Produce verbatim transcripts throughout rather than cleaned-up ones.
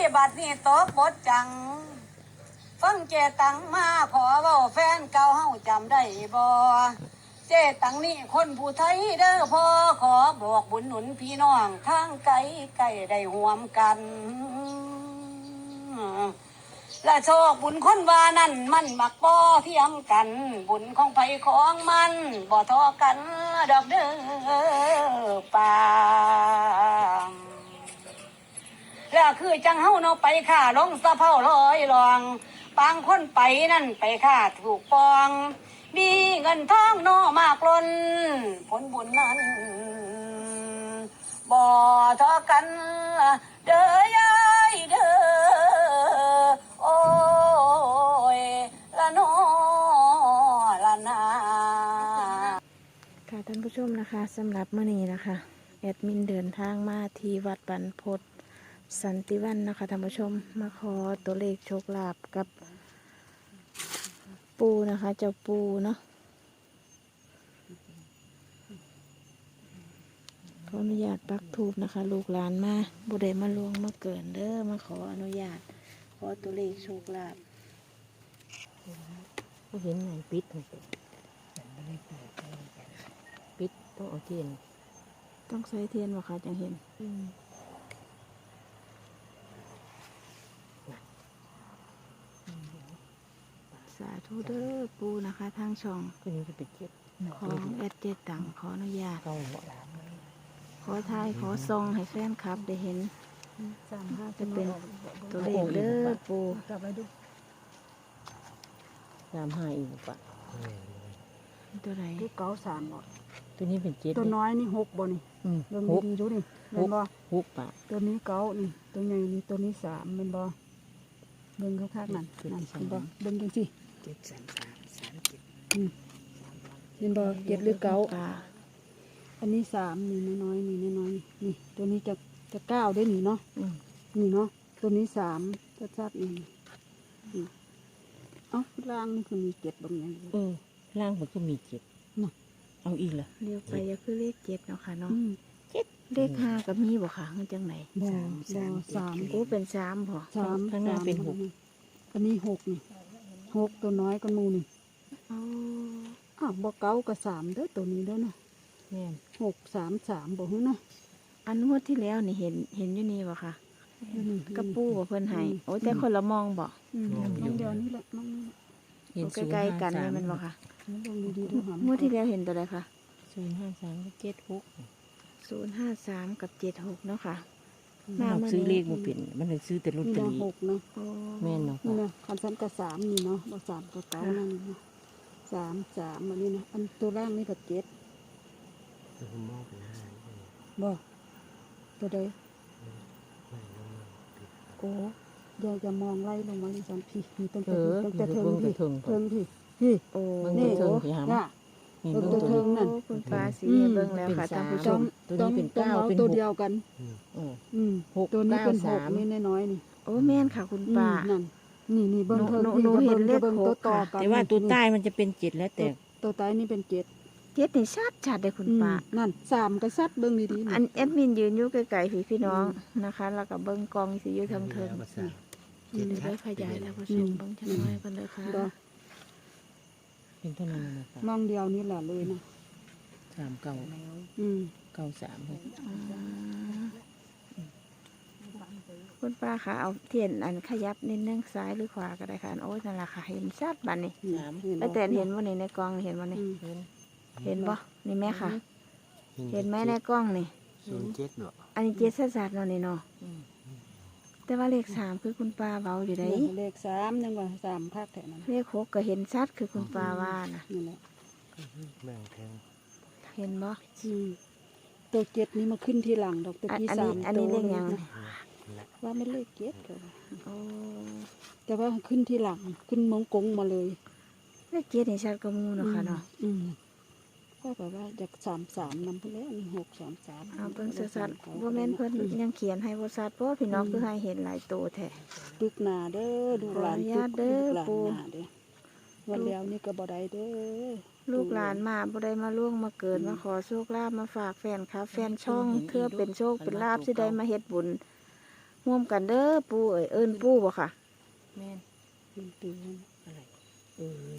บัดนี้ตกบทจังฟังเจตังมาขอเว้าแฟนเก่าเฮาจำได้บ่เจตังนี่คนผู้ไทยเด้อพ่อขอบอกบุญหนุนพี่น้องทางไกลไกลได้ห่วมกันและโชคบุญคนว่านั่นมันมักบ่เทียมกันบุญของไผของมันบ่ทอกันดอกเด้อป่าแล้วคือจังเฮาเนาะไปค่าลงสะเพ้าลอยลองบางคนไปนั่นไปค่าถูกปองมีเงินทองเนาะมากล้นผลบุญนั้นบ่ทอกันเด้อยายเด้อโอ้ยละโนละนาค่ะท่านผู้ชมนะคะสำหรับมื้อนี้นะคะแอดมินเดินทางมาที่วัดบรรพตสันติวันนะคะท่านผู้ชมมาขอตัวเลขโชคลาภกับปูนะคะเจ้าปูเนาะขออนุญาตปักธูปนะคะลูกหลานมาบุได้มาลวงมาเกินเด้อมาขออนุญาตขอตัวเลขโชคลาภก็เห็นไงปิดไงปิดต้องเอาเทียนต้องใช้เทียนวะคะจังเห็นสาธุเด้อปูนะคะทางช่องก็นี้จะเป็นเจ็ดของแอดเจตังขออนุญาตเก้าหัวหลามขอทายขอซองให้แฟนคลับได้เห็นสามห้าจะเป็นตัวเลขเด้อปูกลับไปดูสามห้าอีกปะตัวไหนตัวเก้าสามบ่ตัวนี้เป็นเจ็ดตัวน้อยนี่หกบ่นี่อืมเบิ่งหกดีๆดูนี่หเบิ่งกบ่หกปะตัวนี้เก้านี่ตัวใหญ่นี่ตัวนี้สามเป็นบ่เบิ่งข้างๆนั่นนั่นเห็นบ่เบิ่งจังซี่เจ็ดสามสามสามเจ็ดอืมเห็นบ่เจ็ดหรือเก้าปลาอันนี้สามนี่น้อยๆนี่น้อยๆนี่ตัวนี้จะจะเก้าได้นี่เนาะอืมนี่เนาะตัวนี้สามชัดๆนี่นี่เอ้าล่างนี่คือมีเจ็ดบางอย่างอยู่เออล่างมันก็มีเจ็ดน่ะเอาอีกเหรอเรียกไปก็คือเลขเจ็ดเนาะค่ะเนาะอืมเลขห้ากับมีบ่ค่ะมันจังไหนบ่บ่สามกูเป็นสามบ่สามข้างหน้าเป็นหกอันนี้หกนี่หกตัวน้อยก็มูนี่เอาอ้าวบ่เก้ากับสามเด้อตัวนี้เด้อเนาะแม่นหกสามสามบ่ฮู้เนาะอันงวดที่แล้วนี่เห็นเห็นอยู่นี่บ่ค่ะนี่กระปูบ่เพิ่นให้โอ้ยแต่คนละมองบ่อืมน้องเดียวนี่แหละน้องนี่แหละเห็นโอ้ศูนย์ใกล้ห้าๆกันสาเลยมมันบ่ค่ะลองดีๆดูหามงวดที่แล้วเห็นตัวใดคะศูนย์ห้าสามก็เจ็ดหกศูนย์ห้าสามกับเจ็ดหกเนาะค่ะเราซื้อเลขมาเป็นมันเลยซื้อแต่ลอตนี่เตอนะรี่หกเนาะโอ้แม่นเนาะนี่นะคันซ้ำกับสามนี่เนาะบ่สามกับเก้านั่นนี่เนาะสามสามอันนี้นะอันตัวล่างนี่ก็เจ็ดบ่ตัวใดโอ้อย่าจะมองไล่ลงมาดิฉันพี่นี่ตั้งเอแต่อตั้งมันแต่จะเทิงเบิ่งพี่กระเทิงเทิงพี่พี่มันนี่กระเทิงพี่หามน่ะนี่ตัวเบิ่งเทิตัวงนี้นั่นโอ้คุณฟ้าสีอืมเบิ่งแล้วค่ะเป็นท่านผู้ชสามมตัวนี้เป็นเก้าต้องเป็นตัวหกเดียวกันเอออืมหกตัวนี้เป็นหเก้าก สามนี่น้อยๆนี่โอ้แม่นค่ะคุณอืมป้านั่นนี่นี่เบิ้งหนูเทิงหนูพี่หนูจะเห็เบิ้นงเลจะขเบิ้งหตัวกต่อค่ะกันแต่ว่าตัวใต้มันจะเป็นเจ็ดแล้วแต่ตัวใต้นี่เป็นเจ็ดเจ็ดนี่ชัดชัดเลยคุณอืมป้านั่นสามก็ซัดเบิ้งดีๆอันี่นแอดมินยืนอยู่ไกลๆพี่พี่น้องนะคะ แล้วก็เบิ้งกองสิอยู่ทางเทิงเดี๋ยวได้ขยายแล้วผู้ชมเบิ้งจังน้อยกันเลยค่ะบ่เป็นเท่านั้นนะครับมองเดียวนี่แหละเลยนะสามเก้าอืมเก้าสามหกอืมคุณป้าคะเอาเทียนอันขยับนิดนึงซ้ายหรือขวาก็ได้ค่ะอันโอ้ยนั่นแหละค่ะเห็นชัดบัดนี้สามแล้วแต่เห็นว่านี่ในกล้องเห็นว่านี่อืมเห็นเห็นบ่นี่แม่ค่ะ เห็นไหมในกล้องนี่ศูนย์เจ็ดเนาะอันนี้เจ็ดสัดๆเนาะนี่เนาะอืมแต่ว่าเลขสามคือคุณป้าเบาอยู่ได้เลขสามยังว่าสามภาคแถวนั้นเลขหกก็เห็นชัดคือคุณป้าว่านะนี่แหละแบ่งแทงเห็นบ่อืมตัวเจ็ดนี่มาขึ้นที่หลังดอกตัวอันที่อันสานี้มอันนี้ตัวเลขหยังนะว่าไม่เลขเจ็ดก็ว่าโอ้แต่ว่าขึ้นที่หลังขึ้นมงกงมาเลยเลขเจ็ดนี่ชัดก็มูเนาะค่ะเนาะอืมก็แบบว่าจากสามสามนำไปแล้วนี่หกสามสามเอาเบิ่งสัดๆบ่แม่นเพิ่นยังเขียนให้บ่ชัดเพราะพี่น้องคือให้เห็นหลายตัวแท้ตึกหนาเด้อดูหลานขออนุญาตเด้อตึกหลานปู่หนาเด้อวันแล้วนี่ก็บ่ได้เด้อลูกหลานมาบ่ได้มาล่วงมาเกิดมาขอโชคลาภมาฝากแฟนครับแฟนช่องเพื่อเป็นโชคเป็นลาภสิได้มาเฮ็ดบุญร่วมกันเด้อปูเอ้ยเอิ้นปูบ่ค่ะแม่นเป็นตัวนั้นอะไรเอ้ย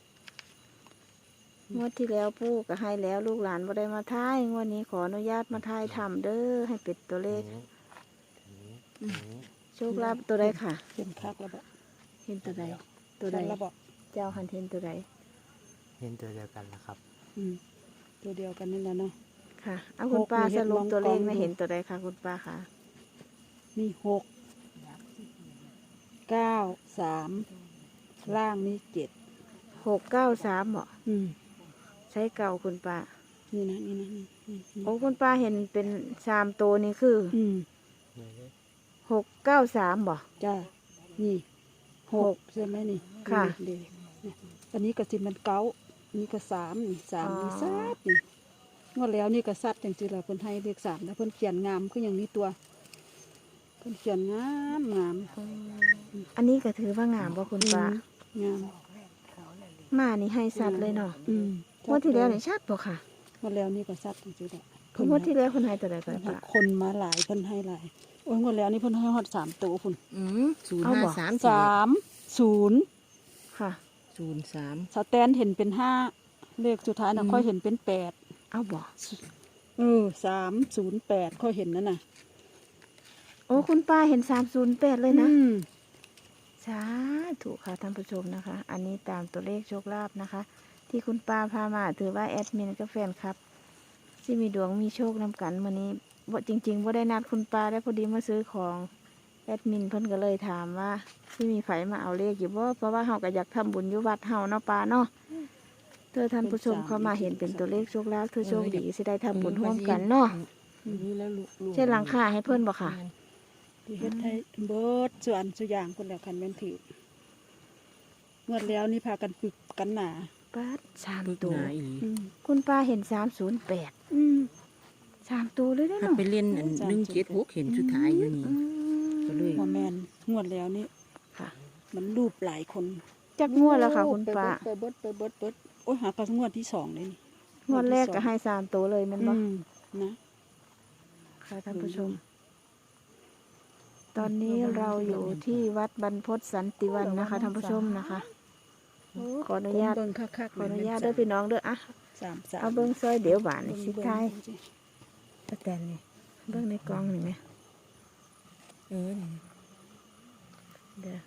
งวดที่แล้วปูก็ให้แล้วลูกหลานบ่ได้มาทายงวดนี้ขออนุญาตมาทายทำเด้อให้เป็ดตัวเลขนี้นี้นี้โชคลาภตัวใดค่ะเป็นคักแล้วบ่เห็นตัวใดตัวใดชัแล้วบ่เจ้าหันเห็นตัวใดเห็นตัวเดียวกันแล้วครับอืมตัวเดียวกันนี่แหละเนาะค่ะเอาคุณป้าหกนี่สรุปตัวเลขเห็นมองกล้องไม่ดูเห็นตัวใดค่ะคุณป้าค่ะมีหกเก้าสามล่างนี่เจ็ดหกเก้าสามเหรออืมใช้เก่าคุณป้านี่นะนี่นะนี่นี่นี่โอ้คุณป้าเห็นเป็นสามตัวนี่คืออืมหกเก้าสามบ่จ้านี่หหกกใช่ไหมนี่ค่ะเด็กอันนี้ก็สิมันเก้านี่ก็สามนี่สามอ๋อนี่ซัดนี่งวดแล้วนี่ก็ซัดจริงๆแล้วเพิ่นให้เลขสามแล้วเพิ่นเขียนงามก็อย่างนี้ตัวเพิ่นเขียนงามงามอันนี้ก็ถือว่างามบ่คุณป้างามมานี่ให้สัตว์เลยเนาะอืมงวดที่แล้วนี่ชัดบ่ค่ะงวดแล้วนี่ก็ซัดจริงๆแหละงวดที่แล้วคุณให้ตัวใดก่อนให้ป้าคนมาหลายเพิ่นให้หลายโอ้ยงวดแล้วนี่เพิ่นให้ฮอดสามตัวพุ่นอืมศูนย์เอาห้าบ่สามสามศูนย์ค่ะศูนย์สามสแตนเห็นเป็นห้าเลขสุดท้ายน่ะค่อยเห็นเป็นแปดเอาบ่เออสามศูนย์แปดค่อยเห็นนั่นน่ะโอ้คุณป้าเห็นสามศูนย์แปดเลยนะอืมสาธุค่ะท่านผู้ชมนะคะ อันนี้ตามตัวเลขโชคลาภนะคะ ที่คุณป้าพามาถือว่าแอดมินกับแฟนครับ ที่มีดวงมีโชคนำกันวันนี้บ่จริงๆว่าได้นัดคุณป้าได้พอดีมาซื้อของแอดมินเพิ่นก็เลยถามว่าที่มีไผมาเอาเลขอยู่บ่เพราะว่าเฮาก็อยากทำบุญอยู่วัดเฮาเนาะป้าเนาะเธอท่านผู้ชมเข้ามาเห็นเป็นตัวเลขโชคลาภเธอโชคดีสิได้ทำบุญร่วมกันเนาะนี่แล้วลูกลูกเช่นหลังคาให้เพิ่นบ่ค่ะที่เฮ็ดให้เบิดส่วนส่วนอย่างคนแล้วคันแม่นถืองวดแล้วนี่พากันปึกกันหนาป้าดสามปึกตัวหนาอีหลีอืมคุณป้าเห็นสามศูนย์แปดอืมสามตัวเลยได้ถ้าเนาะไปเล่นอันหนึ่งเจ็ดหกเห็นสุดท้ายอยู่นี่อืมก็เลยบ่แม่นงวดแล้วนี่ค่ะมันรูปหลายคนจักงวดแล้วค่ะ คุณป้าไปเบิดไปเบิดไปเบิดโอ้ยหากันงวดที่สองเลยนี่งวดแรกก็ให้สามตัวเลยแมันบ่อืมนะค่ะท่านผู้ชม ตอนนี้เราอยู่ที่วัดบรรพตสันติวันนะคะท่านผู้ชมนะคะ ขออนุญาตเบิ่งคักๆขออนุญาตเด้วยพี่น้องเด้ออะสามสามเอาเบิ้งซอยเดี๋ยวบานนี่สิเบิ่งท้ายเบิ่งสิสแตนนี่เบิ้งในกล่องนี่ไหมเออนี่เดี๋ยว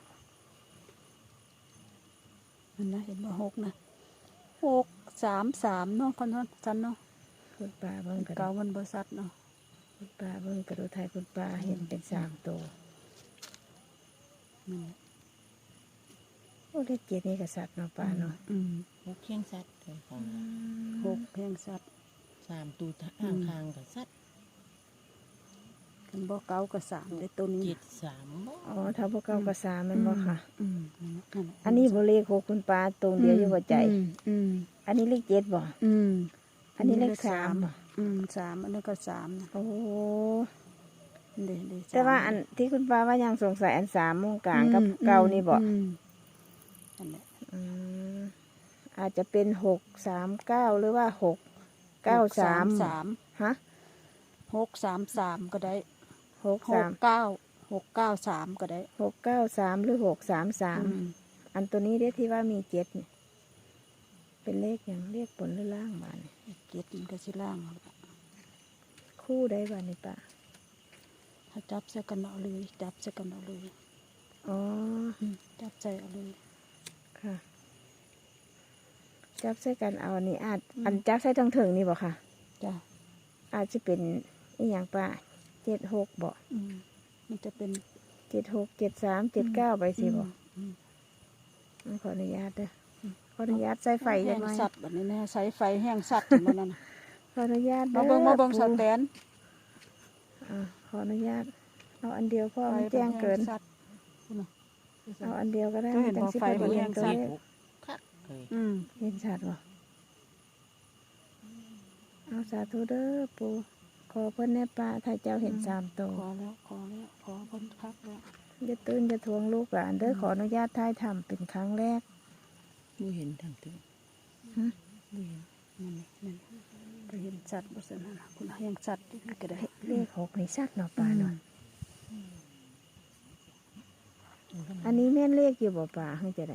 มันนะเห็นบ่หกนะหกสามสามเนาะคนนั้นจันเนาะคุณป้าเบิ้งกระเก่าดูมันบ่ซัดเนาะคุณป้าเบิ้งกระดูไทยคุณป้าเห็นเป็นสามตัวมันโอ้เลขเจ็ดนี่กษัตริย์เนาะป้าเนาะอืมหกเคียงสัตว์เลยค่ะหกแพงซัดสามตูทางทางกับสัตว์กันบ่เก่าก็สามได้ตัวนี้เจ็ดสามบ่อ๋อถ้าพวกเก้ากับสามแมันบ่ค่ะอืมนั่นน่ะนั่นน่ะอันนี้บ่เลขหกคุณป้าตรงเดียวอยู่หัวใจอืมอืมอันนี้เลขเจ็ดบ่อืมอันนี้เลขสามบ่อืมสามอันนี้ก็สามนะโอ้เด้เด้สมแต่ว่าอันที่คุณป้าว่ายังสงสัยอันสามโมงกลางกับอืมเก่านี่บ่อืมนั่นแหละอืมอาจจะเป็นหกสามเก้าหรือว่าหกเก้าสามสามฮะหกสามสามก็ได้หกหสาก มเก้าหกเก้าสามก็ได้หกเก้าสามหรือหกสามสามอืมอันตัวนี้เรียกที่ว่ามีเจ็ดเนี่ยเป็นเลขอย่างเลขบนหรือล่างบ้านยเจ็ดมันก็สิล่างเอาละคู่ได้บ้านนี่ป้าถ้าจับใส่กันเอาเลยจับใส่กันเอาเลยอ๋ออืมจับใส่เอาเลยค่ะ จับใส่กันเอาอันนี้อาจอันจับใส่ทั้งถึงนี่บ่ค่ะจ้ะอาจจะเป็นอีหยังป้าเจ็ดหกบ่อืมมันจะเป็นเจ็ดหกเจ็ดสามเจ็ดเก้าไปสิบ่อืมขออนุญาตเด้อขออนุญาตใส่ไฟแห้ได้งไหมสัตว์แบบนี้แน่ใช้ไฟแห้งสัตว์อย่างนั้นน่ะขออนุญาตมาเบิ่งมาเบิ่งสปู่แตนอ่าขออนุญาตเอาอันเดียวพ่อมันแจ้งเกินไฟแบบแห้งสัตว์คุณน่ะเอาอันเดียวก็ได้ก็เห็นจังว่าสิไฟพอมันดีแห้งตัวสัเลตว์ขคักเลยอืมเห็นชัดบ่เอาสาธุเด้อปู่ขอเพิ่นแน่ป้าถ้าเจ้าเห็นสามตัวขอแล้วขอแล้วขอคนคักแล้วอย่าตื่นอย่าทวงลูกหลานเด้อขออนุญาตท้ายทำเป็นครั้งแรกบ่เห็นทางถึงฮะบ่เห็นนั่นนี่นั่นไปเห็นสัตว์บ่ซั่นน่ะคุณแห้งสัตว์นี่ก็ได้เลขหกนี่ชัดเนาะป้าเนาะอืมอันนี้แม่นเลขอยู่บ่ป่าให้จะได้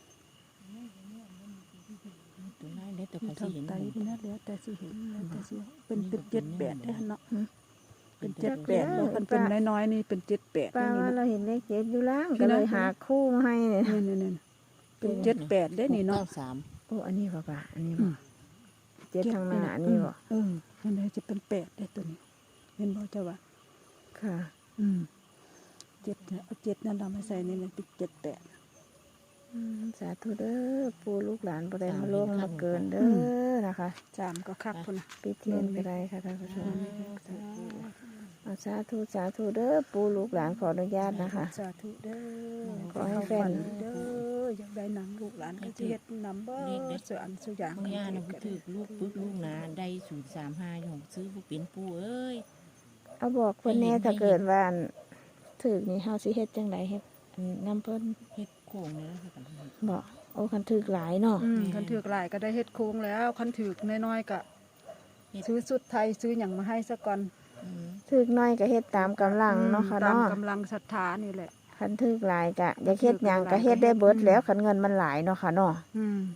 ตัวนั้นแล้วแต่มัเขานสิเห็นทำไตผมนี่นะแล้วแต่สิเห็นแล้วแต่สิเป็นเป็นเจ็ดแปดเด้อเนาะหืมเป็นเจ็ดแปดแล้วมันเป็นน้อยๆนี่เป็นเจ็ดแปดป้านี่ว่านะเราเห็นเลขเจ็ดอยู่ล่างพี่ก็เลยนะหาคู่มาให้เนี่ยนี่นี่นี่เป็นเจ็ดแปดได้นี่เนาะหกก้สามโอ้อันนี้บ่ป่าอันนี้อืบ่มเจ็ดทางหน้าอันนี้บ่เอออันนี้จะเป็นแปดได้ตัวนี้เห็นบ่เจ้าว่าค่ะอืมเจ็ดเนี่ยเอาเจ็ดนั่นเรามาใส่นี่มันเป็นเจ็ดแปดอืมสาธุเด้อปู่ลูกหลานบ่ได้มาล่วงมาเกินเด้อนะคะสามก็คักพุ่นนะปิดเทียนก็ได้ค่ะท่านผู้ชมเอาสาธุสาธุเด้อปู่ลูกหลานขออนุญาตนะคะสาธุเด้อขอให้แฟนเด้ออยากได้หนังลูกหลานก็สิเฮ็ดนำบ่เสืออันสุอย่างบางย่านะผู้ถือลูกปึ๊กลูกนาได้ศูนย์สามห้าของซื้อผู้เป็นผู้เอ้ยเอาบอกเพิ่นแน่ถ้าเกิดว่าอันถึกนี่เฮาสิเฮ็ดจังไดเฮ็ดอันนำเพิ่นเฮ็ดโค้งเลยนะครับบอกโอ้คันถึกหลายเนาะอืมคันถือกหลายก็ได้เฮ็ดโค้งแล้วคันถือกน้อยๆก็ซื้อสุดไทยซื้อหยังมาให้ซะก่อนอืมถึกน้อยก็เฮ็ดตามกำลังเนาะค่ะตามเนาะกำลังศรัทธานี่แหละคันถึกหลายก็อยากเฮ็ดหยังก็เฮ็ดได้เบิดแล้วคันเงินมันหลายเนาะค่ะเนาะอืม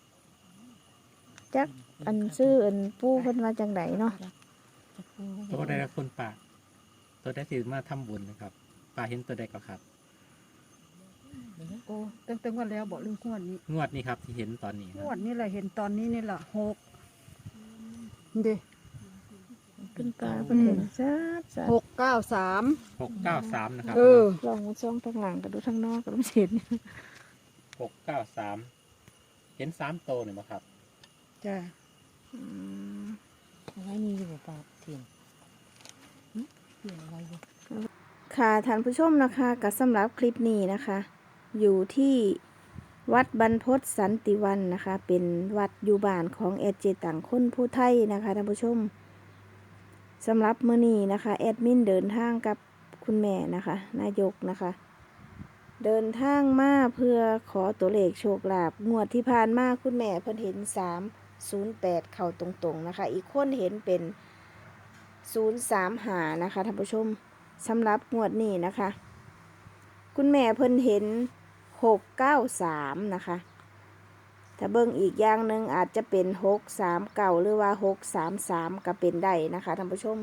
จักอันซื้ออันปู่เพิ่นว่าจังไดเนาะจะพูดตัวใดละคุณป่าตัวใดสิมาทำบุญนะครับป่าเห็นตัวใดก็ครับโอ้ตั้งแต่งวดแล้วบอกเรื่องงวดนี้งวดนี้ครับที่เห็นตอนนี้คงรับวดนี้แหละเห็นตอนนี้นี่แหละหกเด้ขึ้นปลาเพิ่นเห็นซัดซัดหกเก้าสามหกเก้าสามนะครับเออลองมาช่องทางหลังก็ดูทางนอกก็บ่เห็นหกเก้าสามเห็นสามโตวหนึ่งไหมครับจ้ะอืมเอาไว้นี่อยู่บ่ปากเทียนหึเทียนเอาไว้อยู่ค่ะท่านผู้ชมนะคะก็สำหรับคลิปนี้นะคะ อยู่ที่วัดบรรพตสันติวันนะคะ เป็นวัดอยู่บ้านของแอดเจตังคนผู้ไทยนะคะท่านผู้ชมสำหรับมื้อนี้นะคะแอดมินเดินทางกับคุณแม่นะคะ นายกนะคะ เดินทางมาเพื่อขอตัวเลขโชคลาภงวดที่ผ่านมาคุณแม่เพิ่นเห็นสามศูนย์แปดเข้าตรงๆนะคะ อีกคนเห็นเป็นศูนย์สามหานะคะท่านผู้ชมสำหรับงวดนี้นะคะ คุณแม่เพิ่นเห็นหกเก้าสามนะคะถ้าเบิ่งอีกอย่างหนึ่งอาจจะเป็นหกสามเก้าหรือว่าหกสามสามก็เป็นได้นะคะท่านผู้ชม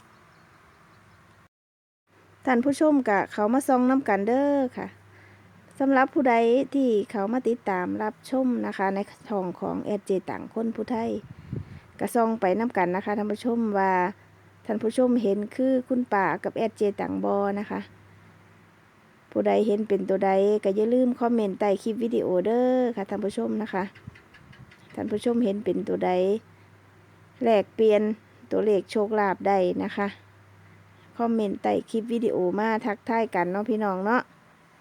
ท่านผู้ชมกะเขามาซองน้ำกันเด้อค่ะสำหรับผู้ใดที่เขามาติดตามรับชมนะคะ ในช่องของแอดเจต่างคนผู้ไทยกะซองไปน้ำกันนะคะท่านผู้ชมว่าท่านผู้ชมเห็นคือคุณป่ากับแอดเจต่างบอนะคะผู้ใดเห็นเป็นตัวใดก็อย่าลืมคอมเมนต์ใต้คลิปวิดีโอเด้อค่ะท่านผู้ชมนะคะท่านผู้ชมเห็นเป็นตัวใดแลกเปลี่ยนตัวเลขโชคลาภได้นะคะคอมเมนต์ใต้คลิปวิดีโอมาทักทายกันเนาะพี่น้องเนาะ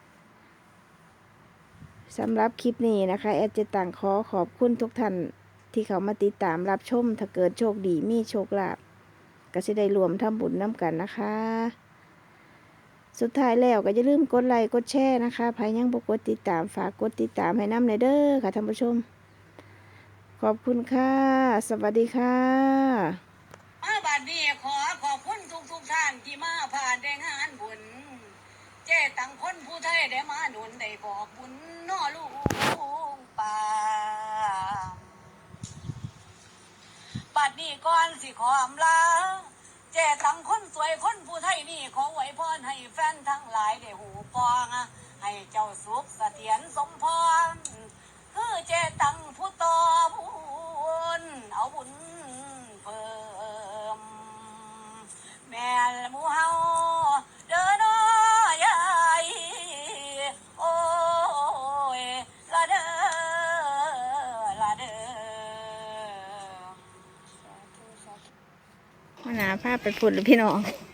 สำหรับคลิปนี้นะคะแอดเจต่างขอขอบคุณทุกท่านที่เขามาติดตามรับชมถ้าเกิดโชคดีมีโชคลาภก็จะได้รวมทำบุญน้ำกันนะคะ สุดท้ายแล้วก็อย่าลืมกดไลค์กดแชร์นะคะใครยังบ่กดติดตามฝากกดติดตามให้น้ำในเด้อค่ะท่านผู้ชมขอบคุณค่ะสวัสดีค่ะมาบัดนี้ขอขอบคุณทุกทุกๆท่านที่มาผ่านได้งานบุญเจ้ตังคนผู้ไทยได้มาหนุนได้บอกบุญน้อลูกป่าบัดนี้ก่อนสิขออำลาเจ้ตังคนสวยคนผู้ไทยนี่ขอไว้พรให้แฟนทั้งหลายได้หูปองให้เจ้าสุขเสถียรสมพรคือเจ้ตังผู้ต่อบุญเอาบุญเพิ่มแม่ละหมูเฮาเด้อน้อยายโอ้ยละเด้อละเด้อมาหนาภาพไปพุ่นหรือพี่น้อง